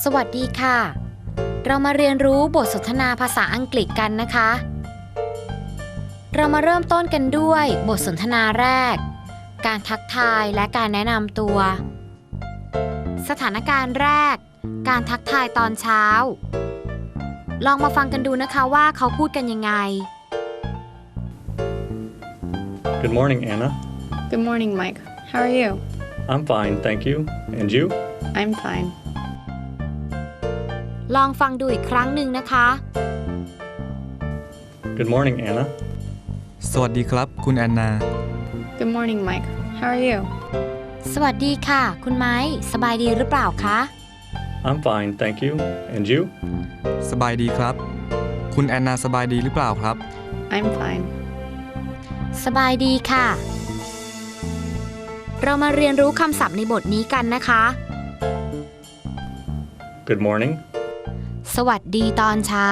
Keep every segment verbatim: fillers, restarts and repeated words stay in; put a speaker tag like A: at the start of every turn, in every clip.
A: สวัสดีค่ะเรามาเรียนรู้บทสนทนาภาษาอังกฤษกันนะคะเรามาเริ่มต้นกันด้วยบทสนทนาแรกการทักทายและการแนะนำตัวสถานการณ์แรกการทักทายตอนเช้าลองมาฟังกันดูนะคะว่าเขาพูดกันยังไง
B: Good morning, Anna.
C: Good morning, Mike. How are you?
B: I'm fine, thank you. And you?
C: I'm fine.
A: ลองฟังดูอีกครั้งหนึ่งนะคะ
B: Good morning, Anna.
D: สวัสดีครับคุณแอนนา
C: Good morning, Mike. How are you?
A: สวัสดีค่ะคุณไม้สบายดีหรือเปล่าคะ
B: I'm fine, thank you. And you?
D: สบายดีครับคุณแอนนาสบายดีหรือเปล่าครับ
C: I'm fine.
A: สบายดีค่ะเรามาเรียนรู้คำศัพท์ในบทนี้กันนะคะ
B: Good morning.
A: สวัสดีตอนเช้า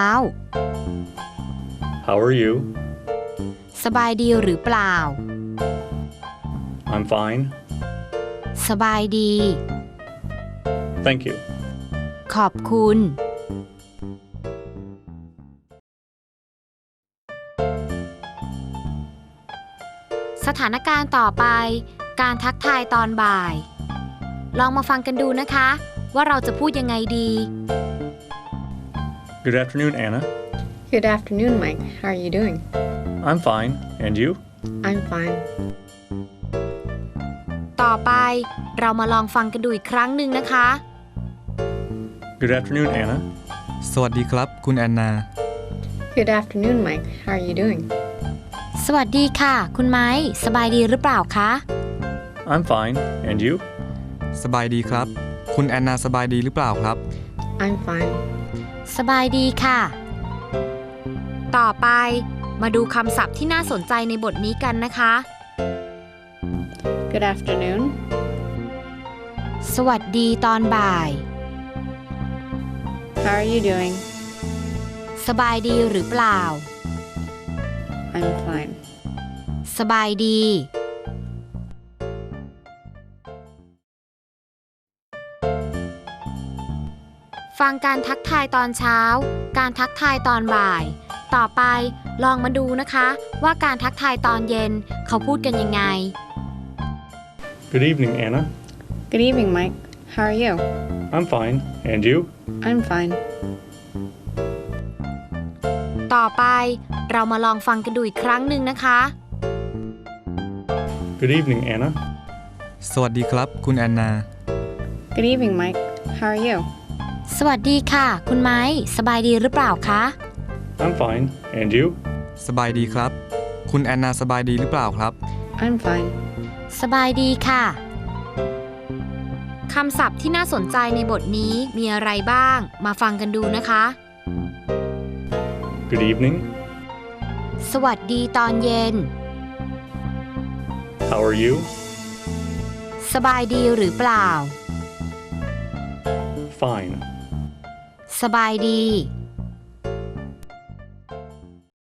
B: How are you?
A: สบายดีหรือเปล่า
B: I'm fine.
A: สบายดี
B: Thank you.
A: ขอบคุณสถานการณ์ต่อไปการทักทายตอนบ่ายลองมาฟังกันดูนะคะว่าเราจะพูดยังไงดี
B: Good afternoon, Anna.
C: Good afternoon, Mike. How are you doing?
B: I'm fine. And you?
C: I'm fine.
A: ต่อไปเรามาลองฟังกันดูอีกครั้งหนึ่งนะคะ
B: Good afternoon, Anna.
D: สวัสดีครับคุณแอนนา
C: Good afternoon, Mike. How are you doing?
A: สวัสดีค่ะคุณไม้สบายดีหรือเปล่าคะ
B: I'm fine. And you?
D: สบายดีครับคุณแอนนาสบายดีหรือเปล่าครับ
C: I'm fine.
A: สบายดีค่ะ ต่อไปมาดูคำศัพท์ที่น่าสนใจในบทนี้กันนะคะ
C: Good afternoon.
A: สวัสดีตอนบ่าย
C: How are you doing?
A: สบายดีหรือเปล่า
C: I'm fine.
A: สบายดี ฟังการทักทายตอนเช้า การทักทายตอนบ่าย ต่อไปลองมาดูนะคะว่าการทักทายตอนเย็นเขาพูดกันยังไง
B: Good evening, Anna.
C: Good evening, Mike. How are you?
B: I'm fine. And you?
C: I'm fine.
A: ต่อไปเรามาลองฟังกันดูอีกครั้งหนึ่งนะคะ
B: Good evening, Anna.
D: สวัสดีครับคุณแอนนา
C: Good evening, Mike. How are you?
A: สวัสดีค่ะคุณไม้สบายดีหรือเปล่าคะ
B: I'm fine. And you?
D: สบายดีครับคุณแอนนาสบายดีหรือเปล่าครับ
C: I'm fine.
A: สบายดีค่ะคำศัพท์ที่น่าสนใจในบทนี้มีอะไรบ้างมาฟังกันดูนะคะ
B: Good evening.
A: สวัสดีตอนเย็น
B: How are you?
A: สบายดีหรือเปล่า
B: Fine.
A: สบายดี